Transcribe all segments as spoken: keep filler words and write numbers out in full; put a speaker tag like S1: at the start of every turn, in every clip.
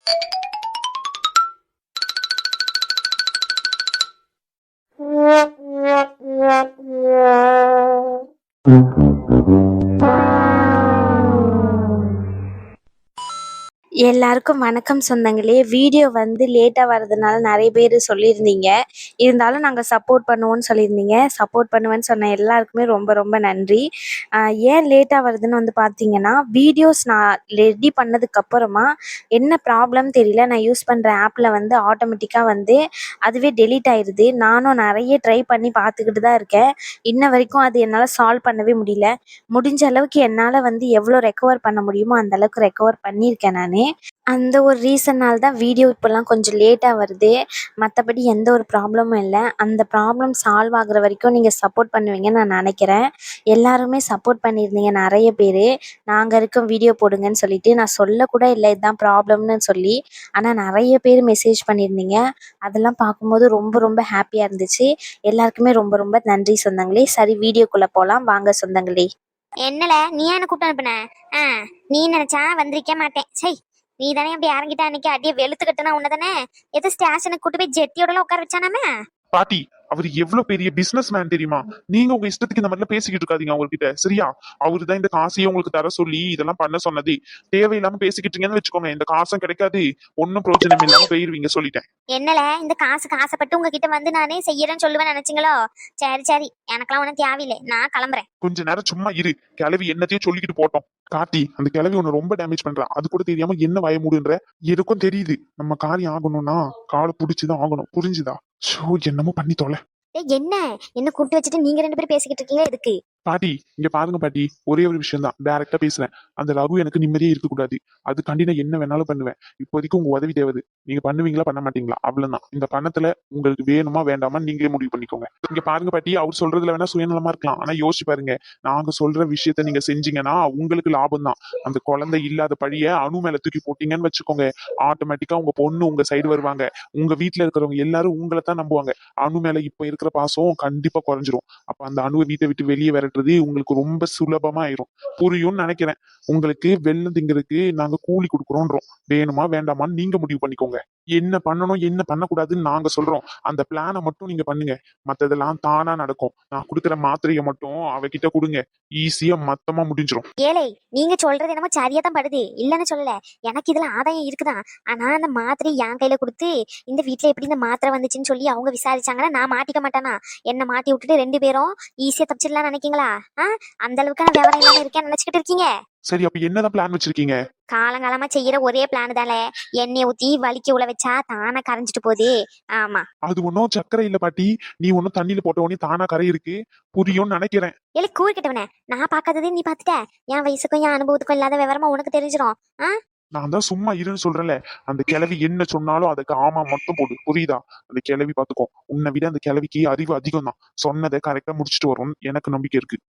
S1: எல்லாருக்கும் வணக்கம் சொந்தங்களே. வீடியோ வந்து லேட்டாக வர்றதுனால நிறைய பேர் சொல்லியிருந்தீங்க. இருந்தாலும் நாங்கள் சப்போர்ட் பண்ணுவோன்னு சொல்லியிருந்தீங்க. சப்போர்ட் பண்ணுவேன்னு சொன்ன எல்லாருக்குமே ரொம்ப ரொம்ப நன்றி. ஏன் லேட்டாக வருதுன்னு வந்து பார்த்தீங்கன்னா, வீடியோஸ் நான் ரெடி பண்ணதுக்கப்புறமா என்ன ப்ராப்ளம் தெரியல. நான் யூஸ் பண்ணுற ஆப்பில் வந்து ஆட்டோமேட்டிக்காக வந்து அதுவே டெலீட் ஆயிடுது. நானும் நிறைய ட்ரை பண்ணி பார்த்துக்கிட்டு தான் இருக்கேன். இன்ன வரைக்கும் அது என்னால் சால்வ் பண்ணவே முடியல. முடிஞ்ச அளவுக்கு என்னால் வந்து எவ்வளோ ரெக்கவர் பண்ண முடியுமோ அந்த அளவுக்கு ரெக்கவர் பண்ணியிருக்கேன் நான். அந்த ஒரு ரீசன்னால் தான் வீடியோ இப்போல்லாம் கொஞ்சம் லேட்டாக வருது. மற்றபடி எந்த ஒரு ப்ராப்ளமும் இல்லை. அந்த ப்ராப்ளம் சால்வ் ஆகுற வரைக்கும் நீங்கள் சப்போர்ட் பண்ணுவீங்கன்னு நான் நினைக்கிறேன். எல்லாருமே சப்போர்ட் பண்ணியிருந்தீங்க நிறைய பேர். நாங்கள் இருக்கோம் வீடியோ போடுங்கன்னு சொல்லிட்டு. நான் சொல்லக்கூட இல்லை இதுதான் ப்ராப்ளம்னு சொல்லி. ஆனால் நிறைய பேர் மெசேஜ் பண்ணியிருந்தீங்க. அதெல்லாம் பார்க்கும்போது ரொம்ப ரொம்ப ஹாப்பியாக இருந்துச்சு. எல்லாருக்குமே ரொம்ப ரொம்ப நன்றி சொந்தங்களே. சரி, வீடியோக்குள்ளே போகலாம் வாங்க சொந்தங்களே.
S2: என்னல நீ என்ன கூப்பிட்டு அனுப்புன? ஆ நீ நினைச்சா வந்திருக்க மாட்டேன். சை, நீ தானே அப்படி இறங்கிட்டா அன்னைக்கு அடியே வெளுத்து கட்டுனா உன்னதானே எது ஸ்டேஷனுக்கு கூட்டு போய் ஜெட்டியோட உட்கார வச்சானாமே.
S3: பாட்டி, அவர் எவ்வளவு பெரிய பிசினஸ் மேன் தெரியுமா? நீங்க உங்க இஷ்டத்துக்கு இந்த மாதிரிலாம் பேசிக்கிட்டு இருக்காதீங்க அவர்கிட்ட, சரியா? அவரு தான் இந்த காசையே உங்களுக்கு தர சொல்லி இதெல்லாம் பண்ண சொன்னது. தேவையில்லாம பேசிக்கிட்டீங்கன்னு வச்சுக்கோங்க, இந்த காசும் கிடைக்காது, ஒன்னும் பிரயோஜனம் இல்லாம போயிருவீங்க, சொல்லிட்டேன்.
S2: என்னல இந்த காசுக்கு ஆசைப்பட்டு உங்ககிட்ட வந்து நானே செய்யறேன்னு சொல்லுவேன் நினைச்சீங்களோ? சரி சரி, எனக்கெல்லாம் ஒன்னும் தேவையில்லை, நான் கிளம்புறேன்.
S3: கொஞ்ச நேரம் சும்மா இரு. கிளவி என்னத்தையும் சொல்லிக்கிட்டு போட்டோம். கார்த்தி, அந்த கிளவி ஒண்ணு ரொம்ப டேமேஜ் பண்றா. அது கூட தெரியாம என்ன வய மூடுன்ற. எதுக்கும் தெரியுது, நம்ம காரியம் ஆகணும்னா காலை புடிச்சுதான் ஆகணும், புரிஞ்சுதா? ஷோ, என்னமோ பண்ணி தொலை.
S2: என்ன என்ன கூப்பிட்டு வச்சுட்டு நீங்க ரெண்டு பேரும் பேசிக்கிட்டு இருக்கீங்க எதுக்கு?
S3: பாட்டி, இங்க பாருங்க பாட்டி, ஒரே ஒரு விஷயம் தான், டைரக்டா பேசுறேன். அந்த ரகு எனக்கு நிம்மதியே இருக்க கூடாது. அதுக்காண்டி நான் என்ன வேணாலும் பண்ணுவேன். இப்போதைக்கு உங்க உதவி தேவை. நீங்க பண்ணுவீங்களா பண்ண மாட்டீங்களா? அவ்வளவுதான். இந்த பணத்துல உங்களுக்கு வேணுமா வேண்டாமா நீங்களே முடிவு பண்ணிக்கோங்க. இங்க பாருங்க பாட்டி, அவர் சொல்றதுல வேணா சுயநலமா இருக்கலாம், ஆனா யோசிச்சு பாருங்க. நாங்க சொல்ற விஷயத்த நீங்க செஞ்சீங்கன்னா உங்களுக்கு லாபம் தான். அந்த குழந்தை இல்லாத பழிய அணு மேல தூக்கி போட்டீங்கன்னு வச்சுக்கோங்க, ஆட்டோமேட்டிக்கா உங்க பொண்ணு உங்க சைடு வருவாங்க. உங்க வீட்டுல இருக்கிறவங்க எல்லாரும் உங்களை தான் நம்புவாங்க. அணு மேல இப்ப இருக்கிற பாசம் கண்டிப்பா குறைஞ்சிரும். அப்ப அந்த அணுவை வீட்டை விட்டு வெளியே வர உங்களுக்கு ரொம்ப சுலபமா ஆயிரும். புரியும்னு நினைக்கிறேன். உங்களுக்கு வெள்ளம் திங்கிறதுக்கு நாங்க கூலி கொடுக்குறோன்றோம். வேணுமா வேண்டாமான்னு நீங்க முடிவு பண்ணிக்கோங்க. என்ன பண்ணணும் என்ன பண்ணக்கூடாதுன்னு நாங்க சொல்றோம். அந்த பிளானை மட்டும் நீங்க பண்ணுங்க. மத்ததெல்லாம் தானா நடக்கும். நான் கொடுக்குற மாத்திரையை மட்டும் அவகிட்ட கொடுங்க. ஈஸியா மொத்தமா முடிஞ்சிடும்.
S2: ஏழை, நீங்க சொல்றது என்னமோ சரியா தான் படுது, இல்லன்னு சொல்லல. எனக்கு இதுல ஆதாயம் இருக்குதான். ஆனா அந்த மாத்திரை என் கையில கொடுத்து இந்த வீட்டுல எப்படி இந்த மாத்திரை வந்துச்சுன்னு சொல்லி அவங்க விசாரிச்சாங்கன்னா நான் மாட்டிக்க மாட்டானா? என்ன மாட்டி விட்டுட்டு ரெண்டு பேரும் ஈஸியா தப்பிச்சிடலாம் நினைக்கீங்களா? ஆஹ் அந்த அளவுக்கு நான் விவரம் இல்லாம இருக்கேன்னு நினைச்சுக்கிட்டு இருக்கீங்க?
S3: சரி, அப்ப என்னதான் பிளான் வச்சிருக்கீங்க?
S2: காலங்காலமா செய்யற ஒரே பிளான் தானே, எண்ணெய் ஊத்தி வலிக்க உள்ள வச்சா தானா கரைஞ்சிட்டு போகுது. ஆமா,
S3: அது ஒன்னும் சக்கரை இல்ல பாட்டி. நீ ஒன்னும் தண்ணியில போட்ட உடனே தானா கரை இருக்கு. புரியும்னு நினைக்கிறேன்.
S2: இல்ல கூறு கிட்டவனே, நான் பாக்காதது நீ பாத்துட்ட. என் வயசுக்கும் என் அனுபவத்துக்கும் இல்லாத விவரமா உனக்கு தெரிஞ்சிடும். ஆஹ்
S3: நான் தான் சும்மா இருன்னு சொல்றேன்ல. அந்த கிழவி என்ன சொன்னாலும் அதுக்கு ஆமா மட்டும் போடு, புரியுதா? அந்த கிழவி பாத்துக்கோ. உன்னை விட அந்த கிழவிக்கு அறிவு அதிகம் தான். சொன்னதை கரெக்டா முடிச்சுட்டு வரும் எனக்கு நம்பிக்கை இருக்கு.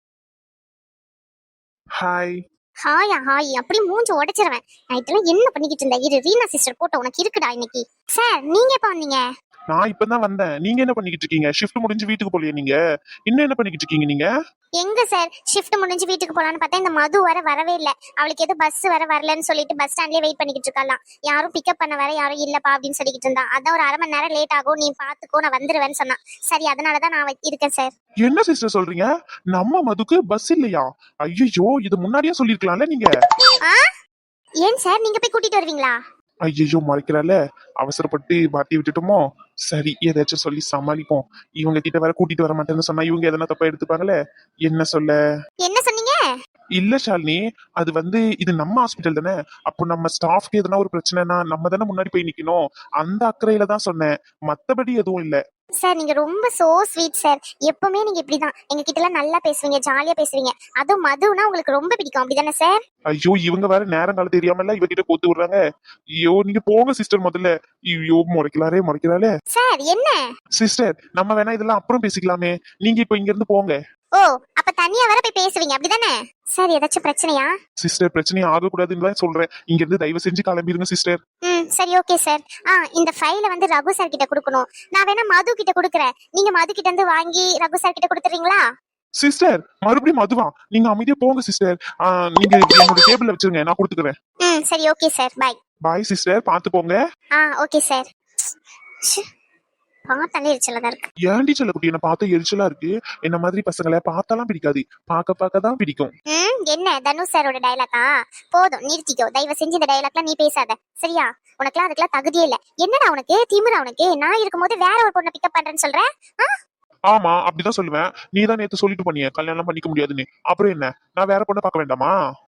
S3: ஹாய்.
S2: ஹாயா ஹாய், அப்படி மூஞ்சி உடைச்சிருவேன். நைட்ல என்ன பண்ணிக்கிட்டு இருந்த? இரு, ரீனா சிஸ்டர் போட்டோ உனக்கு இருக்குடா இன்னைக்கு. சார், நீங்க எப்ப வந்தீங்க?
S3: நான் இப்பதான் வந்தேன். நீங்க என்ன பண்ணிக்கிட்டு இருக்கீங்க? ஷிஃப்ட் முடிஞ்சு வீட்டுக்கு போலியே நீங்க? இன்னும் என்ன பண்ணிக்கிட்டு இருக்கீங்க நீங்க?
S2: எங்க சார், ஷிஃப்ட் முடிஞ்சு வீட்டுக்கு போலான்னு பார்த்தா இந்த மது வர வரவே இல்ல. அவளுக்கு எது பஸ் வர வரலன்னு சொல்லிட்டு பஸ் ஸ்டாண்ட்லயே வெயிட் பண்ணிக்கிட்டு இருக்கலாம். யாரும் பிக்கப் பண்ண வர யாரும் இல்லப்பா அப்படின்னு சொல்லிக்கிட்டு இருந்தா. அதான் ஒரு அரை மணி நேரம் லேட் ஆகும், நீ பாத்துக்கோ, நான் வந்துருவேன்னு சொன்னா. சரி, அதனாலதான் நான் இருக்கேன் சார்.
S3: என்ன சிஸ்டர் சொல்றீங்க? நம்ம மதுக்கு பஸ் இல்லையா? ஐயோ, இது முன்னாடியே சொல்லிருக்கலாம்ல நீங்க.
S2: ஏன் சார், நீங்க போய் கூட்டிட்டு வருவீங்களா?
S3: ஐயோ, மறைக்கிறால. அவசரப்பட்டு மாட்டி விட்டுட்டோமோ? சரி, ஏதாச்சும் சொல்லி சமாளிப்போம். இவங்க கிட்ட வர கூட்டிட்டு வர மாட்டேன்னு சொன்னா இவங்க எதனா தப்பா எடுத்துப்பாங்களே. என்ன சொல்ல?
S2: என்ன சொன்னீங்க?
S3: இல்ல ஷாலினி, அது வந்து இது நம்ம ஹாஸ்பிட்டல் தானே. அப்போ நம்ம ஸ்டாஃப்க்கு எதனா ஒரு பிரச்சனைனா நம்ம தானே முன்னாடி போய் நிக்கணும். அந்த அக்கறையில தான் சொன்னேன், மத்தபடி எதுவும் இல்ல.
S2: சார், நீங்க ரொம்ப சோ ஸ்வீட் சார். எப்பவுமே நீங்க இப்படிதான் எங்க கிட்ட எல்லாம் நல்லா பேசுவீங்க, ஜாலியா பேசுவீங்க. அதுவும் மதுனா உங்களுக்கு ரொம்ப பிடிக்கும், அப்படிதானே சார்?
S3: ஐயோ, இவங்க வேற நேரம் காலம் தெரியாமல இவகிட்ட கோத்து விடுறாங்க. ஐயோ, நீங்க போங்க சிஸ்டர் முதல்ல. ஐயோ, முறைக்கலாரே முறைக்கிறாளே.
S2: சார், என்ன
S3: சிஸ்டர், நம்ம வேணா இதெல்லாம் அப்புறம் பேசிக்கலாமே. நீங்க இப்ப இங்க இருந்து போங்க.
S2: ஓ, அப்ப தனியா வர போய் பேசுவீங்க, அப்படிதானே? சார், ஏதாச்சும் பிரச்சனையா?
S3: சிஸ்டர், பிரச்சனையே ஆகக்கூடாதுன்னு தான் சொல்றேன். இங்க இருந்து தயவு செஞ்சு கிளம்பிடுங்க சிஸ்டர்.
S2: ம், சரி, ஓகே சார். ஆ, இந்த ஃபைலை வந்து ரகு சார் கிட்ட கொடுக்கணும். நான் வேணா மது கிட்ட கொடுக்குறேன். நீங்க மது கிட்ட இருந்து வாங்கி ரகு சார் கிட்ட கொடுத்துறீங்களா?
S3: சிஸ்டர், மறுபடியும் மதுவா? நீங்க அமைதியா போங்க சிஸ்டர். நீங்க என்னோட டேபிள்ல வச்சிருங்க, நான் கொடுத்துக்கிறேன்.
S2: ம், சரி, okay sir, bye.
S3: Bye sister, பாத்து போங்க.
S2: ஆ ஓகே சார். பார்த்தாலே எரிச்சலா தான் இருக்கு.
S3: ஏன்டி செல்லக்குட்டி என்ன பார்த்தா எரிச்சலா இருக்கு? என்ன மாதிரி பசங்களை பார்த்தாலாம் பிடிக்காது, பார்க்க பார்க்க தான் பிடிக்கும்.
S2: ம் என்ன தனுஷ் சாரோட டயலாக்கா? போதும் நிறுத்திக்கோ, தயவு செஞ்சு இந்த டயலாக்லாம் நீ பேசாத சரியா? உனக்குலாம் அதுக்கெல்லாம் தகுதியே இல்ல. என்னடா உனக்கு திமிரா? உனக்கு நான் இருக்கும்போது வேற ஒரு பொண்ணை பிக்கப் பண்றேன்னு சொல்ற?
S3: ஆமா, அப்படிதான் சொல்லுவேன். நீ தான் நேத்து சொல்லிட்டு பண்ணிய கல்யாணம் பண்ணிக்க முடியாதுன்னு. அப்புறம் என்ன, நான் வேற பொண்ணை பார்க்க வேண்டாமா?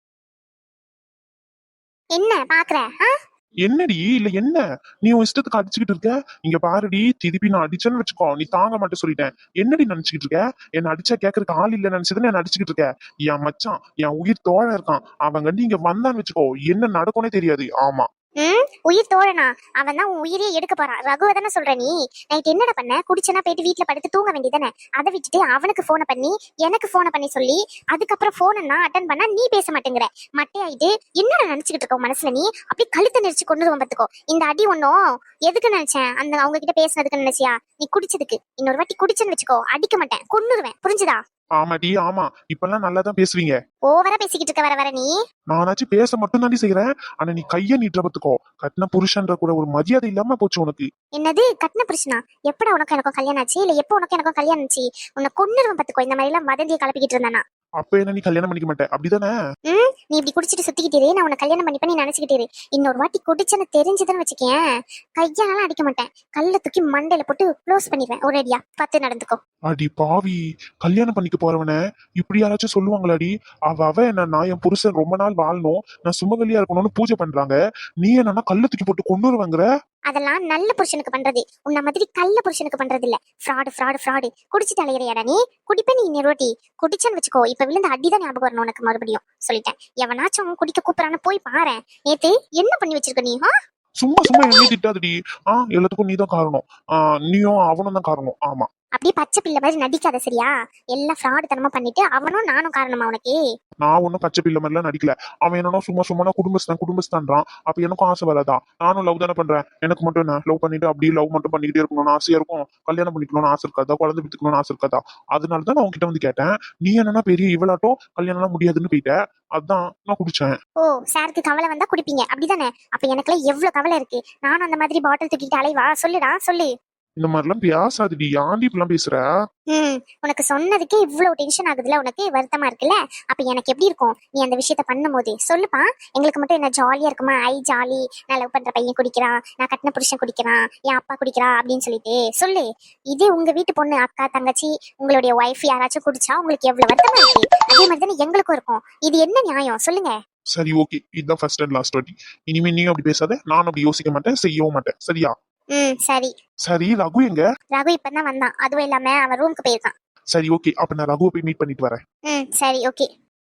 S2: என்ன பாக்குற?
S3: என்னடி இல்ல என்ன, நீ உன் இஷ்டத்துக்கு அடிச்சுக்கிட்டு இருக்க. இங்க பாருடி, திருப்பி நான் அடிச்சேன்னு வச்சுக்கோ, நீ தாங்க மாட்டே சொல்லிட்டேன். என்னடி நினைச்சுக்கிட்டு இருக்க? என்ன அடிச்சா கேட்கறதுக்கு ஆள் இல்ல நினைச்சதுன்னு என்ன அடிச்சுக்கிட்டு இருக்க? என் மச்சான், என் உயிர் தோழன் இருக்கான், அவன் கண்டி இங்க வந்தான்னு வச்சுக்கோ, என்ன நடக்கும்னே தெரியாது. ஆமா.
S2: ம் உயிர் தோழனா? அவன் தான் உன் உயிரே எடுக்க போறான். ரகுவை தானே சொல்ற நீ? நைட் என்னடா பண்ண? குடிச்சனா போயிட்டு வீட்டுல படுத்து தூங்க வேண்டியதானே? அதை விட்டுட்டு அவனுக்கு போனை பண்ணி எனக்கு போனை பண்ணி சொல்லி அதுக்கப்புறம் போனா அட்டன் பண்ணா நீ பேச மாட்டேங்கிற. மட்டையாயிட்டு என்னடா நினைச்சுக்கிட்டு இருக்க மனசுல? நீ அப்படி கழுத்தை நெரிச்சு கொண்டு வந்துக்கோ. இந்த அடி ஒன்னும் எதுக்கு நினைச்சேன்? அந்த அவங்க கிட்ட பேசினதுக்கு நினைச்சியா? நீ குடிச்சதுக்கு. இன்னொரு வாட்டி குடிச்சேன்னு வச்சுக்கோ, அடிக்க மாட்டேன், கொன்னுருவேன். புரிஞ்சுதா?
S3: ஆமாடி ஆமா, இப்பெல்லாம் நல்லா தான் பேசுவீங்க.
S2: ஓவரா பேசிக்கிட்டு இருக்க வர வர நீ.
S3: நானாச்சும் பேச மட்டும் தாண்டி செய்யறேன், ஆனா நீ கைய நீட்டுற பத்துக்கோ, கட்டின புருஷன்ற கூட ஒரு மரியாதை இல்லாம போச்சு உனக்கு.
S2: என்னது கட்டின புருஷனா? எப்படா உனக்கு எனக்கும் கல்யாணம் ஆச்சு? இல்ல எப்போ உனக்கு எனக்கும் கல்யாணம் ஆச்சு? உன்னை கொன்னுருவன் பத்துக்கோ. இந்த மாதிரி எல்லாம் வதந்தியை கலப்பிக்கிட்டு இருந்தானா?
S3: அப்ப என்ன நீ கல்யாணம் பண்ணிக்க மாட்டே அப்படிதானே?
S2: ம் நீ இப்படி குடிச்சிட்டு சுத்திக்கிட்டே நான் உன்னை கல்யாணம் பண்ணிப்ப நீ நினைச்சுக்கிட்டே. இன்னொரு வாட்டி குடிச்சன்னு தெரிஞ்சதுன்னு வச்சுக்கேன், கையாலாம் அடிக்க மாட்டேன், கல்ல தூக்கி மண்டையில போட்டு க்ளோஸ் பண்ணிடுவேன். ஒரேடியா பார்த்து நடந்துக்கோ.
S3: அடி பாவி, கல்யாணம் பண்ணிக்க போறவன இப்படி யாராச்சும் சொல்லுவாங்களாடி? அவ அவ என்ன, நான் என் புருஷன் ரொம்ப நாள் வாழணும், நான் சுமகலியா இருக்கணும்னு பூஜை பண்றாங்க, நீ என்னன்னா கல்ல தூக்கி போட்டு கொண்டுருவாங்கற?
S2: அதெல்லாம் நல்ல புருஷனுக்கு பண்றது, உன்ன மாதிரி கள்ள புருஷனுக்கு பண்றது இல்ல. Fraud fraud fraud. குடிச்சிட்டு அலையறியாடா நீ? குடிப்ப நீ இன்னொருவாட்டி குடிச்சன்னு வச்சுக்கோ, இப்ப விழுந்த அடிதான் ஞாபகம் வரணும் உனக்கு. மறுபடியும் சொல்லிட்டேன், எவனாச்சும் குடிக்க கூப்பிடறான்னு போய் பாரு. நேத்து என்ன பண்ணி வச்சிருக்க நீ?
S3: சும்மா சும்மா என்ன திட்டாதடி. ஆ எல்லாத்துக்கும் நீ தான் காரணம். ஆ நீயும் அவனும் தான் காரணம். ஆமா,
S2: அப்படியே பச்சை பிள்ளை மாதிரி நடிக்காத சரியா? எல்லாம் ஃப்ராடு தனமா பண்ணிட்டு அவனும் நானும் காரணமா உனக்கு?
S3: நான் ஒன்னும் பச்சை பிள்ளை மாதிரிலாம் நடிக்கல. அவன் என்னன்னா சும்மா சும்மா குடும்பஸ்தான் குடும்பஸ்தான்றான். அப்ப எனக்கும் ஆசை வராதா? நானும் லவ் தானே பண்றேன். எனக்கு மட்டும் என்ன, லவ் பண்ணிட்டு அப்படியே லவ் மட்டும் பண்ணிக்கிட்டே இருக்கணும்னு ஆசையா இருக்கும்? கல்யாணம் பண்ணிக்கணும்னு ஆசை இருக்காதா? குழந்தை பெற்றுக்கணும்னு ஆசை இருக்காதா? அதனாலதான் நான் உங்ககிட்ட வந்து கேட்டேன். நீ என்னன்னா பெரிய இவளாட்டம் கல்யாணம் எல்லாம் முடியாதுன்னு போயிட்ட, அதான் நான் குடிச்சேன்.
S2: ஓ சாருக்கு கவலை வந்தா குடிப்பீங்க அப்படிதானே? அப்ப எனக்குலாம் எவ்வளவு கவலை இருக்கு. நானும் அந்த மாதிரி பாட்டில் தூக்கிட்டு அலைவா? சொல்லுடா சொல்லு.
S3: இந்த மாதிரிலாம் பேசாதடி, ஆண்டி இப்பெல்லாம் பேசுற.
S2: ம் உனக்கு சொன்னதுக்கே இவ்வளவு டென்ஷன் ஆகுதுல, உனக்கு வருத்தமா இருக்குல்ல? அப்ப எனக்கு எப்படி இருக்கும் நீ அந்த விஷயத்த பண்ணும் போது? சொல்லுப்பா. எங்களுக்கு மட்டும் என்ன ஜாலியா இருக்குமா? ஐ ஜாலி, நான் லவ் பண்ற பையன் குடிக்கிறான், நான் கட்டின புருஷன் குடிக்கிறான், என் அப்பா குடிக்கிறா அப்படின்னு சொல்லிட்டு சொல்லு. இதே உங்க வீட்டு பொண்ணு, அக்கா, தங்கச்சி, உங்களுடைய ஒய்ஃப் யாராச்சும் குடிச்சா உங்களுக்கு எவ்வளவு வருத்தமா இருக்கு? அதே மாதிரி தானே எங்களுக்கும் இருக்கும். இது என்ன நியாயம் சொல்லுங்க?
S3: சரி ஓகே, இதுதான் ஃபர்ஸ்ட் அண்ட் லாஸ்ட் வாட்டி. இனிமே நீ அப்படி பேசாத, நான் அப்படி யோசிக்க மாட்டேன், செய்யவும் மாட்டேன். சரியா?
S2: ம் சரி.
S3: சரி, ரகு எங்க?
S2: ரகு இப்பதான் வந்தான். அதுவும் இல்லாம அவன் ரூமுக்கு போயிருக்கான்.
S3: சரி ஓகே, அப்ப நான் ரகுவை போய் மீட் பண்ணிட்டு வரேன்.
S2: ம் சரி ஓகே.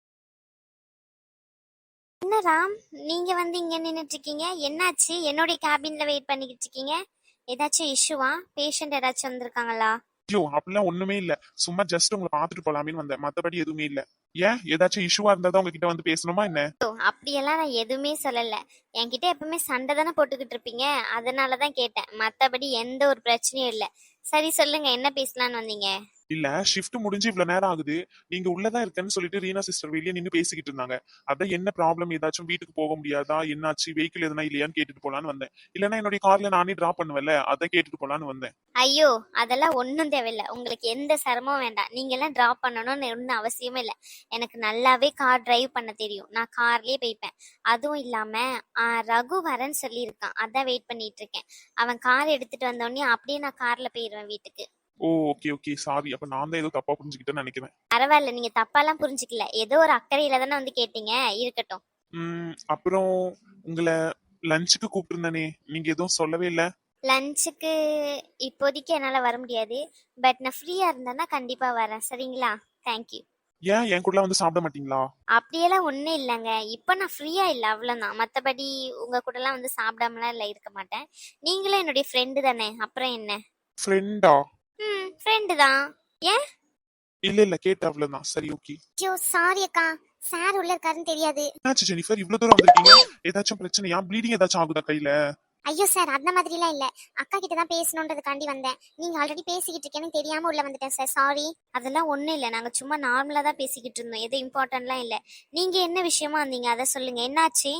S2: என்ன ராம், நீங்க வந்து இங்க நின்னுட்டு இருக்கீங்க? என்னாச்சு? என்னோட கேபின்ல வெயிட் பண்ணிக்கிட்டு இருக்கீங்க? ஏதாச்சும் இஷ்யூவா? பேஷண்ட் ஏதாச்சும் வந்திருக்காங்களா?
S3: ஐயோ அப்படிலாம் ஒண்ணுமே இல்ல, சும்மா ஜஸ்ட் உங்களை பாத்துட்டு போலாமேன்னு வந்தேன், மத்தபடி எதுவுமே இல்ல. ஏன் ஏதாச்சும் இஷ்யூவா இருந்தா தான் உங்ககிட்ட வந்து பேசணுமா என்ன?
S2: ஓ, அப்படியெல்லாம் நான் எதுவுமே சொல்லல. என்கிட்ட எப்பவுமே சண்டை தானே போட்டுக்கிட்டு இருப்பீங்க, அதனாலதான் கேட்டேன். மத்தபடி எந்த ஒரு பிரச்சனையும் இல்ல. சரி சொல்லுங்க, என்ன பேசலான்னு வந்தீங்க?
S3: இல்ல, ஷிஃப்ட் முடிஞ்சு இவ்வளவு நேரம் ஆகுது, நீங்க உள்ளதான் இருக்கேன்னு சொல்லிட்டு ரீனா சிஸ்டர் வெளியே நின்னு பேசிக்கிட்டு இருந்தாங்க. அதான் என்ன ப்ராப்ளம், ஏதாச்சும் வீட்டுக்கு போக முடியாதா, என்னாச்சு, வெஹிக்கிள் எதனா இல்லையான்னு கேட்டுட்டு போலான்னு வந்தேன். இல்லன்னா என்னுடைய கார்ல நானே டிராப் பண்ணுவேன்ல, அதான் கேட்டுட்டு போலான்னு வந்தேன்.
S2: ஐயோ அதெல்லாம் ஒன்றும் தேவையில்லை. உங்களுக்கு எந்த சிரமம் வேண்டாம். நீங்க எல்லாம் டிராப் பண்ணணும்னு ஒன்றும் அவசியமே இல்லை. எனக்கு நல்லாவே கார் டிரைவ் பண்ண தெரியும். நான் கார்லயே போய்ப்பேன். அதுவும் இல்லாம ஆஹ், ரகு வரேன்னு சொல்லியிருக்கான், அதான் வெயிட் பண்ணிட்டு இருக்கேன். அவன் கார் எடுத்துட்டு வந்தோடனே அப்படியே நான் கார்ல போயிடுவேன் வீட்டுக்கு.
S3: ஓ ஓகே ஓகே, சாரி, அப்ப நான் தான் ஏதோ தப்பா புரிஞ்சுக்கிட்டேன்னு நினைக்கிறேன்.
S2: பரவாயில்ல, நீங்க தப்பாலாம் புரிஞ்சுக்கல. ஏதோ ஒரு அக்கறையில தானே வந்து கேட்டீங்க, இருக்கட்டும்.
S3: உம் அப்புறம் உங்களை லஞ்சுக்கு கூப்பிட்டுருந்தானே, நீங்க எதுவும் சொல்லவே இல்ல.
S2: லஞ்சுக்கு இப்போதைக்கு என்னால் வர முடியாது. பட் நான் ஃப்ரீயாக இருந்தேன்னா கண்டிப்பாக வரேன். சரிங்களா? தேங்க்யூ.
S3: ஏன் என் கூட வந்து சாப்பிட மாட்டீங்களா?
S2: அப்படியெல்லாம் ஒன்றும் இல்லைங்க. இப்போ நான் ஃப்ரீயாக இல்லை, அவ்வளோதான். மற்றபடி உங்கள் கூடலாம் வந்து சாப்பிடாமலாம் இல்லை, இருக்க மாட்டேன். நீங்களும் என்னுடைய ஃப்ரெண்டு தானே, அப்புறம் என்ன?
S3: ஃப்ரெண்டா?
S2: ம் ஃப்ரெண்டு தான். ஏன்?
S3: இல்ல இல்ல, கேட்ட அவ்வளவுதான். சரி ஓகே.
S2: ஐயோ சாரி அக்கா, சார் உள்ள இருக்காருன்னு தெரியாது.
S3: என்னாச்சு ஜெனிஃபர், இவ்வளவு தூரம் வந்திருக்கீங்க? ஏதாச்சும் பிரச்சனையா? ப்ளீடிங் ஏதாச்சும் ஆகுதா கையில?
S2: ஐயோ சார், அந்த மாதிரிலாம் இல்ல. அக்கா கிட்ட தான் பேசணுன்றதுக்காண்டி வந்தேன். நீங்க ஆல்ரெடி பேசிக்கிட்டு இருக்கேன்னு தெரியாம உள்ள வந்துட்டேன் சார், சாரி. அதெல்லாம் ஒண்ணும் இல்ல, நாங்க சும்மா நார்மலா தான் பேசிக்கிட்டு இருந்தோம், எது இம்பார்ட்டன்ட்லாம் இல்ல. நீங்க என்ன விஷயமா வந்தீங்க அதை சொல்லுங்க, என்னாச்சு?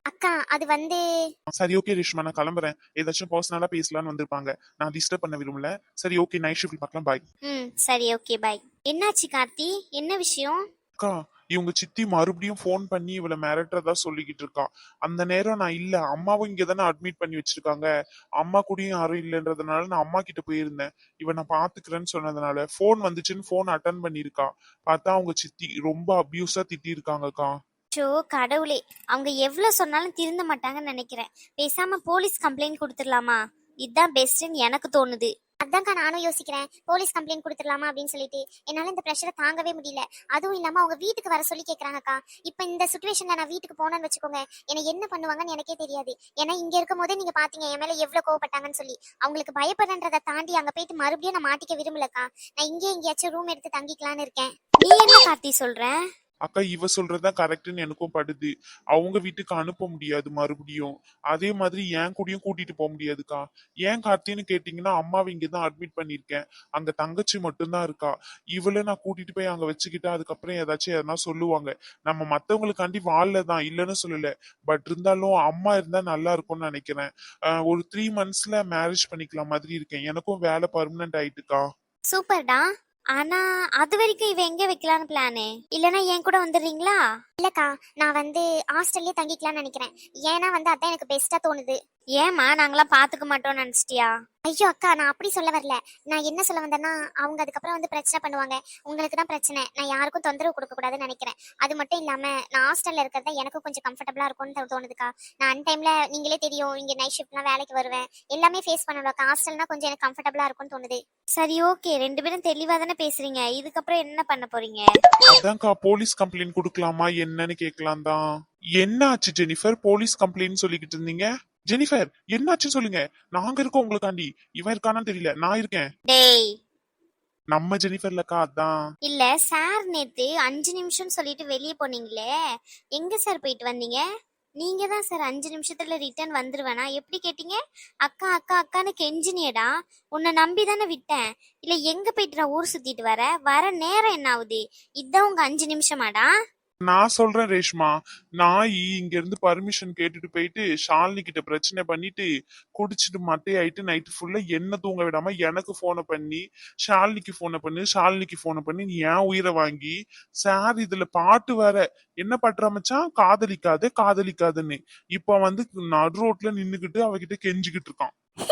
S2: அக்கா அது வந்து
S3: சரி ஓகே ரேஷ்மா, நான் கிளம்புறேன். ஏதாச்சும் பர்சனலா பேசலாம்னு வந்திருப்பாங்க, நான் டிஸ்டர்ப் பண்ண விரும்பல. சரி ஓகே, நைட் ஷிஃப்ட் பார்க்கலாம், பாய்.
S2: ம் சரி ஓகே பாய். என்னாச்சு கார்த்தி, என்ன விஷயம்?
S3: அக்கா, இவங்க சித்தி மறுபடியும் ஃபோன் பண்ணி இவளை மிரட்டுறதா சொல்லிக்கிட்டு இருக்கா. அந்த நேரம் நான் இல்ல, அம்மாவும் இங்க தானே அட்மிட் பண்ணி வச்சிருக்காங்க, அம்மா கூடயும் யாரும் இல்லைன்றதுனால நான் அம்மா கிட்ட போயிருந்தேன். இவன் நான் பாத்துக்கிறேன்னு சொன்னதுனால ஃபோன் வந்துச்சுன்னு ஃபோன் அட்டன் பண்ணிருக்கா. பார்த்தா அவங்க சித்தி ரொம்ப அபியூஸா திட்டி இருக்காங்கக்கா.
S2: ஷோ கடவுளே, அவங்க எவ்வளவு சொன்னாலும் திருந்த மாட்டாங்கன்னு நினைக்கிறேன். பேசாம போலீஸ் கம்ப்ளைண்ட் கொடுத்துடலாமா? இதுதான் பெஸ்ட்னு எனக்கு தோணுது. அதான்க்கா நானும் யோசிக்கிறேன், போலீஸ் கம்ப்ளைண்ட் கொடுத்துடலாமா அப்படின்னு சொல்லிட்டு. என்னால இந்த ப்ரெஷரை தாங்கவே முடியல. அதுவும் இல்லாம அவங்க வீட்டுக்கு வர சொல்லி கேக்குறாங்கக்கா. இப்ப இந்த சுச்சுவேஷன்ல நான் வீட்டுக்கு போனேன்னு வச்சுக்கோங்க, என்னை என்ன பண்ணுவாங்கன்னு எனக்கே தெரியாது. ஏன்னா இங்க இருக்கும் போதே நீங்க பாத்தீங்க என் மேல எவ்வளவு கோவப்பட்டாங்கன்னு சொல்லி. அவங்களுக்கு பயப்படுறதை தாண்டி அங்க போயிட்டு மறுபடியும் நான் மாட்டிக்க விரும்பலக்கா. நான் இங்கே எங்கேயாச்சும் ரூம் எடுத்து தங்கிக்கலான்னு இருக்கேன். நீ என்ன கார்த்தி சொல்ற?
S3: அக்கா, இவ சொல்றதுதான் கரெக்ட்னு எனக்கும் படுது. அவங்க வீட்டுக்கு அனுப்ப முடியாது மறுபடியும், அதே மாதிரி என் கூடயும் கூட்டிட்டு போக முடியாதுக்கா. ஏன் கார்த்தின்னு கேட்டீங்கன்னா, அம்மாவை இங்கதான் அட்மிட் பண்ணிருக்கேன், அங்க தங்கச்சி மட்டும்தான் இருக்கா. இவளை நான் கூட்டிட்டு போய் அங்க வச்சுக்கிட்டா அதுக்கப்புறம் ஏதாச்சும் எதனா சொல்லுவாங்க. நம்ம மத்தவங்களுக்காண்டி வாழதான் இல்லைன்னு சொல்லல, பட் இருந்தாலும் அம்மா இருந்தா நல்லா இருக்கும்னு நினைக்கிறேன். ஆஹ் ஒரு த்ரீ மந்த்ஸ்ல மேரேஜ் பண்ணிக்கலாம் மாதிரி இருக்கேன், எனக்கும் வேலை பர்மனன்ட் ஆயிட்டுக்கா.
S2: சூப்பர்டா. ஆனா அது வரைக்கும் இவ எங்க வைக்கலான்னு பிளானு? இல்லனா என் கூட வந்துடுறீங்களா? இல்லக்கா, நான் வந்து ஹாஸ்டல்லே தங்கிக்கலாம்னு நினைக்கிறேன். ஏன்னா வந்து அதான் எனக்கு பெஸ்டா தோணுது. ஏமா நாங்களாம் பாத்துக்க மாட்டோம்னு நினைச்சிட்டியா? ஐயோ அக்கா, நான் அப்படி சொல்ல வரல. நான் என்ன சொல்ல வந்தேன்னா, அவங்க அதுக்கப்புறம் வந்து பிரச்சனை பண்ணுவாங்க. உங்களுக்கு தான் பிரச்சனை, நான் யாருக்கும் தொந்தரவு கொடுக்க கூடாதுன்னு நினைக்கிறேன். அது மட்டும் இல்லாம நான் ஹாஸ்டல்ல இருக்கிறதா எனக்கும் கொஞ்சம் கம்ஃபர்டபுளா இருக்கும்னு தோணுதுக்கா. நான் அன் டைம்ல நீங்களே தெரியும், இங்க நைட் ஷிஃப்ட்லாம் வேலைக்கு வருவேன், எல்லாமே ஃபேஸ் பண்ணலாம். ஹாஸ்டல்னா கொஞ்சம் எனக்கு கம்ஃபர்டபுளா இருக்கும்னு தோணுது. சரி ஓகே, ரெண்டு பேரும் தெளிவா தானே பேசுறீங்க. இதுக்கப்புறம் என்ன பண்ண போறீங்க?
S3: அதான்க்கா, போலீஸ் கம்ப்ளைண்ட் கொடுக்கலாமா என்னன்னு கேட்கலாம் தான். என்ன ஆச்சு ஜெனிஃபர், போலீஸ் கம்ப்ளைண்ட் சொல்லிக்கிட்டு இருந்தீங்க? ஜெனிஃபர் என்னாச்சுன்னு சொல்லுங்க, நாங்க இருக்கோம் உங்களுக்காண்டி. இவன் இருக்கானான்னு தெரியல, நான் இருக்கேன்.
S2: டேய்,
S3: நம்ம ஜெனிஃபர்லக்கா, அதான்.
S2: இல்ல சார், நேத்து அஞ்சு நிமிஷம் சொல்லிட்டு வெளியே போனீங்களே, எங்க சார் போயிட்டு வந்தீங்க? நீங்க தான் சார் அஞ்சு நிமிஷத்துல ரிட்டர்ன் வந்துருவேனா எப்படி கேட்டீங்க? அக்கா அக்கா அக்கான்னு கெஞ்சினியடா. உன்னை நம்பி தானே விட்டேன். இல்ல எங்க போயிட்டு நான் ஊர் சுத்திட்டு வர வர நேரம் என்ன ஆகுது? இதான் உங்க அஞ்சு நிமிஷமாடா?
S3: நான் சொல்றேன் ரேஷ்மா, நாய் இங்க இருந்து பர்மிஷன் கேட்டுட்டு போயிட்டு ஷாலினி கிட்ட பிரச்சனை பண்ணிட்டு குடிச்சிட்டு மட்டையாயிட்டு நைட்டு ஃபுல்லா என்ன தூங்க விடாம எனக்கு போனை பண்ணி ஷாலினிக்கு போனை பண்ணு ஷாலினிக்கு போனை பண்ணி நீ ஏன் உயிரை வாங்கி, சார் இதுல பாட்டு வேற, என்ன பண்ற மச்சான், காதலிக்காதே காதலிக்காதுன்னு. இப்ப வந்து நடு ரோட்ல நின்னுகிட்டு அவகிட்ட கெஞ்சிக்கிட்டு இருக்கான்.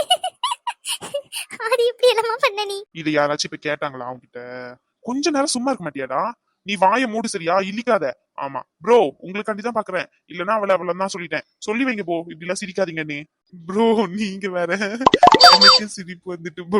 S2: அது இப்படி எல்லாமா பண்ண நீ?
S3: இது யாராச்சும் இப்ப கேட்டாங்களா அவங்கிட்ட? கொஞ்ச நேரம் சும்மா இருக்க மாட்டியாடா? நீ வாயை மூடு சரியா, இல்லிக்காத. ஆமா ப்ரோ, உங்களுக்காண்டி தான் பாக்குறேன், இல்லன்னா அவளை அவளை தான் சொல்லிட்டேன். சொல்லி வைங்க ப்ரோ, இப்படி எல்லாம் சிரிக்காதீங்கன்னு. ப்ரோ நீங்க வேற, எனக்கு சிரிப்பு வந்துட்டு ப்ரோ.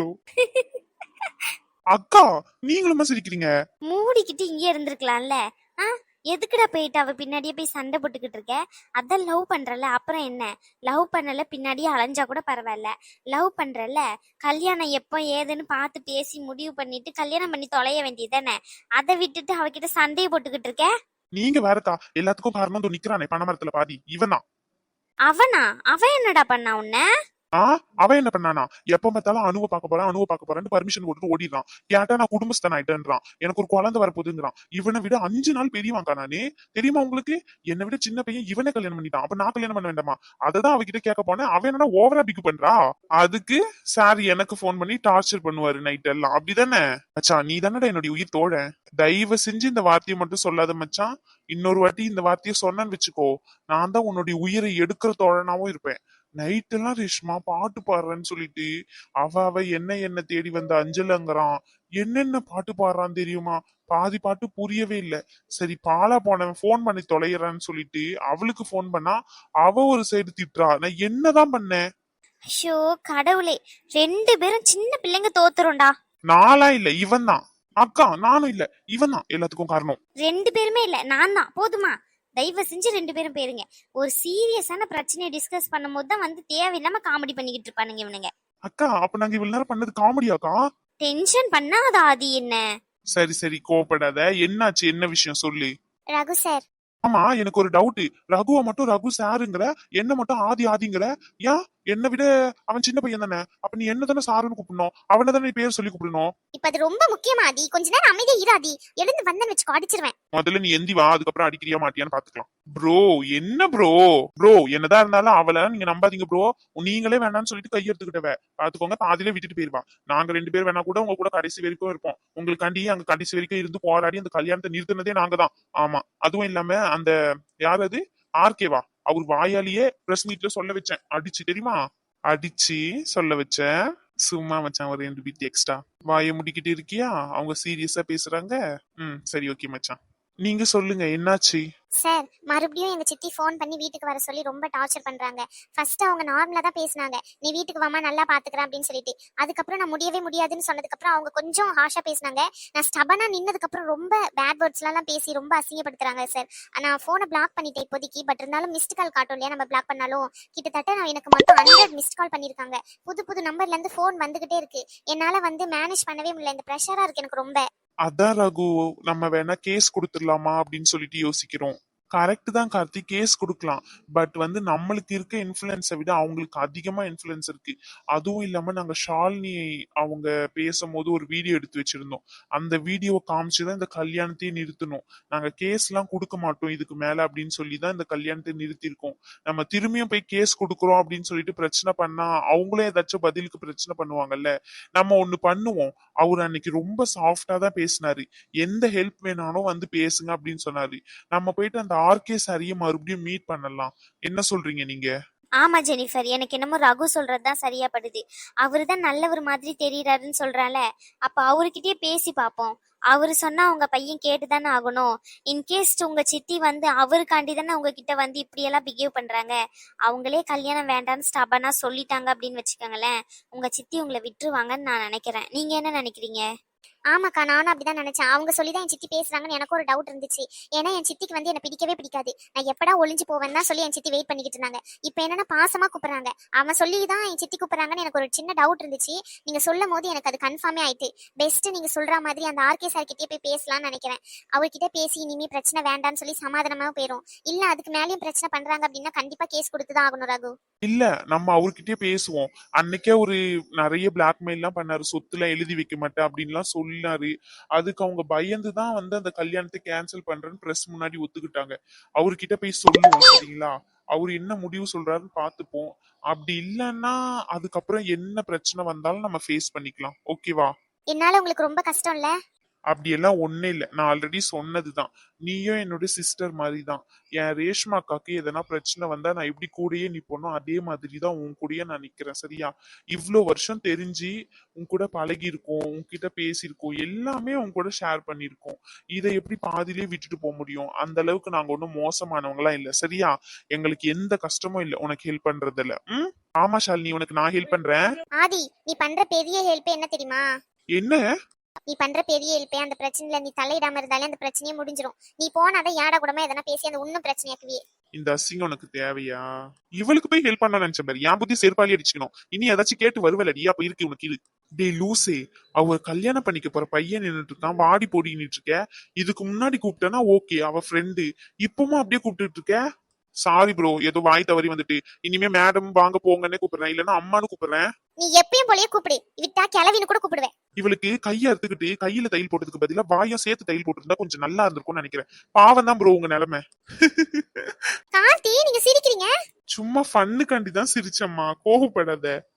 S3: அக்கா, நீங்களுமா சிரிக்கிறீங்க?
S2: மூடிக்கிட்டு இங்கே இருந்திருக்கலாம்ல. ஆ, எதுக்குடா போயிட்டு அவ பின்னாடியே போய் சண்டை போட்டுக்கிட்டு இருக்க? அதான் லவ் பண்றல, அப்புறம் என்ன? லவ் பண்ணல பின்னாடியே அலைஞ்சா கூட பரவாயில்ல. லவ் பண்றல, கல்யாணம் எப்போ ஏதுன்னு பார்த்து பேசி முடிவு பண்ணிட்டு கல்யாணம் பண்ணி தொலைய வேண்டியதானே. அதை விட்டுட்டு அவகிட்ட சண்டையை போட்டுக்கிட்டு இருக்க.
S3: நீங்க வேறக்கா, எல்லாத்துக்கும் காரணம் வந்து நிக்கிறானே பணமரத்துல பாதி, இவன் தான்.
S2: அவனா? அவன் என்னடா பண்ணா உன்ன?
S3: ஆஹ் அவன் என்ன பண்ணானா, எப்ப பார்த்தாலும் அணுவை பார்க்க போறேன் அணுவை பார்க்க போறேன்னு பர்மிஷன் கொடுத்து ஓடிடுறான். கேட்டா நான் குடும்பஸ்தன் ஆயிட்டேன்றான், எனக்கு ஒரு குழந்தை வரப்போகுதுங்கிறான். இவனை விட அஞ்சு நாள் பெரியவாங்கா நானே, தெரியுமா உங்களுக்கு? என்னை விட சின்ன பையன் இவனே கல்யாணம் பண்ணிட்டான், அப்ப நான் கல்யாணம் பண்ண வேண்டாமா? அததான் அவகிட்ட கேட்க போனேன். அவன் என்ன ஓவரா பிக் பண்றா. அதுக்கு சார் எனக்கு போன் பண்ணி டார்ச்சர் பண்ணுவாரு நைட் எல்லாம், அப்படிதானே? மச்சான் நீ தானடா என்னுடைய உயிர் தோழன், தயவு செஞ்சு இந்த வார்த்தையை மட்டும் சொல்லாத மச்சான். இன்னொரு வாட்டி இந்த வார்த்தையை சொன்னேன்னு வச்சுக்கோ, நான் தான் உன்னுடைய உயிரை எடுக்கிற தோழனாவும் இருப்பேன். நைட் எல்லாம் ரேஷ்மா பாட்டு பாடுறேன்னு சொல்லிட்டு அவ அவ என்ன என்ன தேடி வந்த அஞ்சலங்கிறான். என்னென்ன பாட்டு பாடுறான்னு தெரியுமா? பாதி பாட்டு புரியவே இல்லை. சரி பாலா போனவன் போன் பண்ணி தொலைகிறான்னு சொல்லிட்டு அவளுக்கு போன் பண்ணா அவ ஒரு சைடு திட்டுறா. நான் என்னதான் பண்ணேன்?
S2: ஐயோ கடவுளே, ரெண்டு பேரும் சின்ன பிள்ளைங்க தோத்துரும்டா.
S3: நாளா இல்ல, இவன் தான். அக்கா நானும் இல்ல, இவன் தான் எல்லாத்துக்கும் காரணம்.
S2: ரெண்டு பேருமே இல்ல, நான் தான். போதுமா? தயவு செஞ்சு ரெண்டு பேரும் போயிருங்க. ஒரு சீரியஸான பிரச்சனையை டிஸ்கஸ் பண்ணும் போது தான் வந்து தேவையில்லாம காமெடி பண்ணிக்கிட்டு இருப்பானுங்க இவனுங்க.
S3: அக்கா அப்ப நாங்க இவ்வளவு நேரம் பண்ணது காமெடியாக்கா?
S2: டென்ஷன் பண்ணாத ஆதி என்ன.
S3: சரி சரி கோவப்படாத, என்னாச்சு, என்ன விஷயம் சொல்லு.
S2: ரகு சார்.
S3: ஆமா எனக்கு ஒரு டவுட், ரகுவை மட்டும் ரகு சாருங்கிற, என்ன மட்டும் ஆதி ஆதிங்கிற, ஏன் என்னை விட அவன் சின்ன பையன் தானே. அப்ப நீ என்ன தானே சாருன்னு கூப்பிடணும், அவனை தானே நீ பேர் சொல்லி கூப்பிடணும்.
S2: இப்ப அது ரொம்ப முக்கியமா ஆதி, கொஞ்ச நேரம் அமைதியா இராதி. எழுந்து வந்தேன்னு வச்சுக்கோ அடிச்சிருவேன்.
S3: முதல்ல நீ எந்தி வா, அதுக்கப்புறம் அடிக்கிறியா மாட்டியான்னு பாத்துக்கலாம். ப்ரோ என்ன ப்ரோ ப்ரோ என்னதான் இருந்தாலும் அவளை நீங்க நம்பாதீங்க ப்ரோ. நீங்களே வேணாம்னு சொல்லிட்டு கையெடுத்துக்கிட்டவ பாத்துக்கோங்க, பாதியிலே விட்டுட்டு போயிருவா. நாங்க ரெண்டு பேர் வேணா கூட உங்க கூட கடைசி வரைக்கும் இருப்போம். உங்களுக்காண்டி அங்க கடைசி வரைக்கும் இருந்து போராடி அந்த கல்யாணத்தை நிறுத்தினதே நாங்க தான். ஆமா, அதுவும் இல்லாம அந்த யார் அது ஆர்கேவா, அவர் வாயாலேயே பிரஸ் மீட்ல சொல்ல வச்சேன் அடிச்சு, தெரியுமா? அடிச்சு சொல்ல வச்சேன். சும்மா மச்சான் ஒரு ரெண்டு பீட் எக்ஸ்ட்ரா. வாயை முடிக்கிட்டு இருக்கியா? அவங்க சீரியஸா பேசுறாங்க. ம் சரி ஓகே மச்சான், நீங்க சொல்லுங்க என்னாச்சு?
S2: சார் மறுபடியும் எங்க சித்தி ஃபோன் பண்ணி வீட்டுக்கு வர சொல்லி ரொம்ப டார்ச்சர் பண்றாங்க. ஃபர்ஸ்ட் அவங்க நார்மலா தான் பேசினாங்க, நீ வீட்டுக்கு வாமா நல்லா பாத்துக்கிறேன் அப்படின்னு சொல்லிட்டு. அதுக்கப்புறம் நான் முடியவே முடியாதுன்னு சொன்னதுக்கு அப்புறம் அவங்க கொஞ்சம் ஹாஷா பேசினாங்க. நான் ஸ்டபனா நின்னதுக்கு அப்புறம் ரொம்ப பேட் வேர்ட்ஸ் எல்லாம் பேசி ரொம்ப அசிங்கப்படுத்துறாங்க சார். நான் போனை பிளாக் பண்ணிட்டேன் இப்போதைக்கு. பட் இருந்தாலும் மிஸ்ட் கால் காட்டும் இல்லையா, நம்ம பிளாக் பண்ணாலும் கிட்டத்தட்ட நான் எனக்கு மொத்தம் ஹண்ட்ரட் மிஸ்ட் கால் பண்ணிருக்காங்க. புது புது நம்பர்ல இருந்து போன் வந்துகிட்டே இருக்கு. என்னால வந்து மேனேஜ் பண்ணவே முடியல. இந்த ப்ரெஷரா இருக்கு எனக்கு ரொம்ப.
S3: அதான் ரகு, நம்ம வேணா கேஸ் கொடுத்துடலாமா அப்படின்னு சொல்லிட்டு யோசிக்கிறோம். கரெக்ட் தான் கார்த்தி, கேஸ் கொடுக்கலாம். பட் வந்து நம்மளுக்கு இருக்க இன்ஃபுளுன்ஸை விட அவங்களுக்கு அதிகமா இன்ஃபுளுன்ஸ் இருக்கு. அதுவும் இல்லாம நாங்க ஷாலினி அவங்க பேசும்போது ஒரு வீடியோ எடுத்து வச்சிருந்தோம். அந்த வீடியோவை காமிச்சுதான் இந்த கல்யாணத்தையே நிறுத்தணும். நாங்க கேஸ் எல்லாம் கொடுக்க மாட்டோம் இதுக்கு மேல அப்படின்னு சொல்லி தான் இந்த கல்யாணத்தை நிறுத்திருக்கோம். நம்ம திரும்பியும் போய் கேஸ் கொடுக்குறோம் அப்படின்னு சொல்லிட்டு பிரச்சனை பண்ணா அவங்களே ஏதாச்சும் பதிலுக்கு பிரச்சனை பண்ணுவாங்கல்ல. நம்ம ஒண்ணு பண்ணுவோம். அவர் அன்னைக்கு ரொம்ப சாஃப்டா தான் பேசினாரு. எந்த ஹெல்ப் வேணாலும் வந்து பேசுங்க அப்படின்னு சொன்னாரு. நம்ம போயிட்டு அந்த ஆர்கே சாரிய மறுபடியும் மீட் பண்ணலாம். என்ன சொல்றீங்க நீங்க?
S2: ஆமா ஜெனிஃபர், எனக்கு என்னமோ ரகு சொல்றதுதான் சரியா படுது. அவரு தான் நல்லவர் மாதிரி தெரியறாருன்னு சொல்றால, அப்ப அவர்கிட்டயே பேசி பாப்போம். அவரு சொன்னா உங்க பையன் கேட்டுதானே ஆகணும். இன்கேஸ் உங்க சித்தி வந்து அவருக்காண்டி தானே உங்ககிட்ட வந்து இப்படி எல்லாம் பிஹேவ் பண்றாங்க. அவங்களே கல்யாணம் வேண்டாம்னு ஸ்டபனா சொல்லிட்டாங்க அப்படின்னு வச்சுக்கோங்களேன், உங்க சித்தி உங்களை விட்டுருவாங்கன்னு நான் நினைக்கிறேன். நீங்க என்ன நினைக்கிறீங்க? ஆமாக்கா, நானும் அப்படிதான் நினைச்சேன். அவங்க சொல்லிதான் என் சித்தி பேசுறாங்கன்னு எனக்கு ஒரு டவுட் இருந்துச்சு. ஏன்னா என் சித்திக்கு வந்து என்ன பிடிக்கவே பிடிக்காது. நான் எப்படா ஒளிஞ்சு போவேன்னு தான் சொல்லி என் சித்தி வெயிட் பண்ணிக்கிட்டு இருந்தாங்க. இப்போ என்னன்னா பாசமா கூப்பிடுறாங்க. அவன் சொல்லி தான் என் சித்தி கூப்பிடுறாங்கன்னு எனக்கு ஒரு சின்ன டவுட் இருந்துச்சு. நீங்க சொல்லும் போது எனக்கு அது கன்ஃபார்மே ஆயிட்டு. பெஸ்ட் நீங்க சொல்ற மாதிரி அந்த ஆர்கே சார் கிட்டே போய் பேசலாம்னு நினைக்கிறேன். அவர்கிட்ட பேசி இனிமே பிரச்சனை வேண்டாம்னு சொல்லி சமாதானமா போயிடும். இல்ல அதுக்கு மேலேயும் பிரச்சனை பண்றாங்க அப்படின்னா கண்டிப்பா கேஸ் கொடுத்துதான் ஆகணும் ரகு.
S3: இல்ல, நம்ம அவர்கிட்டயே பேசுவோம். அன்னைக்கே ஒரு நிறைய பிளாக்மெயில் எல்லாம் பண்ணாரு, சொத்துல எழுதி வைக்க மாட்டேன் அப்படின்லாம் சொன்னாரு. அதுக்கு அவங்க பயந்துதான் வந்து அந்த கல்யாணத்தை கேன்சல் பண்றேன்னு பிரஸ் முன்னாடி ஒத்துக்கிட்டாங்க. அவர்கிட்ட போய் சொல்லுவோம் சரிங்களா? அவரு என்ன முடிவு சொல்றாருன்னு பாத்துப்போம். அப்படி இல்லைன்னா அதுக்கப்புறம் என்ன பிரச்சனை வந்தாலும் நம்ம ஃபேஸ் பண்ணிக்கலாம். ஓகேவா?
S2: என்னால உங்களுக்கு ரொம்ப கஷ்டம் இல்ல?
S3: அப்படி எல்லாம் ஒண்ணு இல்ல, நான் ஆல்ரெடி சொன்னதுதான். நீயும் என்னோட சிஸ்டர் மாதிரி தான். என் ரேஷ்மா அக்காக்கு எதனா பிரச்சனை வந்தா நான் எப்படி கூடயே நிப்போனோ அதே மாதிரிதான் உன் கூடயே நான் நிக்கிறேன். சரியா? இவ்வளோ வருஷம் தெரிஞ்சு உன் கூட பழகி இருக்கோம், உன்கிட்ட பேசியிருக்கோம், எல்லாமே உன் கூட ஷேர் பண்ணிருக்கோம். இதை எப்படி பாதியிலே விட்டுட்டு போக முடியும்? அந்த அளவுக்கு நாங்க ஒன்றும் மோசமானவங்களா இல்ல. சரியா? எங்களுக்கு எந்த கஷ்டமும் இல்ல உனக்கு ஹெல்ப் பண்றதுல. ம் ஆமா ஷாலினி, உனக்கு நான் ஹெல்ப் பண்றேன்.
S2: ஆதி, நீ பண்ற பெரிய ஹெல்ப் என்ன தெரியுமா?
S3: என்ன?
S2: நீ பண்ற பெரிய ஹெல்ப்பே அந்த பிரச்சனையில நீ தலையிடாம இருந்தாலே அந்த பிரச்சனையே முடிஞ்சிரும். நீ போனாதான் யாடா கூடமா எதனா பேசி அந்த இன்னும் பிரச்சனையாக்குவியே.
S3: இந்த அசிங்கம் உனக்கு தேவையா? இவளுக்கு போய் ஹெல்ப் பண்ண நினைச்ச பாரு, என் புத்தி செருப்பாளி அடிச்சுக்கணும். இனி ஏதாச்சும் கேட்டு வருவலடி, அப்ப இருக்கு உனக்கு இது. டே லூசே, அவ கல்யாணம் பண்ணிக்க போற பையன் நின்றுட்டு இருக்கான், வாடி போடி நின்றுட்டு இருக்க. இதுக்கு முன்னாடி கூப்பிட்டேன்னா ஓகே, அவ ஃப்ரெண்டு. இப்பவும் அப்படியே கூப்பிட்டு இருக்க. சாரி ப்ரோ, ஏதோ வாய் தவறி வந்துட்டு. இனிமே மேடம் வாங்க போங்கன்னு கூப்பிடுறேன், இல்லன்னா அம்மானு கூப்பிடுறேன்.
S2: நீ எப்பயும் போலயே கூப்பிடு, விட்டா கிளவின்னு கூட கூப்பிடுவேன்.
S3: இவளுக்கு கையை அறுத்துக்கிட்டு கையில தையல் போட்டதுக்கு பதிலா வாயும் சேர்த்து தையல் போட்டிருந்தா கொஞ்சம் நல்லா இருந்திருக்கும்னு நினைக்கிறேன். பாவம் தான் ப்ரோ உங்க நிலைமை.
S2: கார்த்தி, நீங்க சிரிக்கிறீங்க.
S3: சும்மா ஃபன்னுக்காண்டி தான் சிரிச்சம்மா, கோவப்படாத.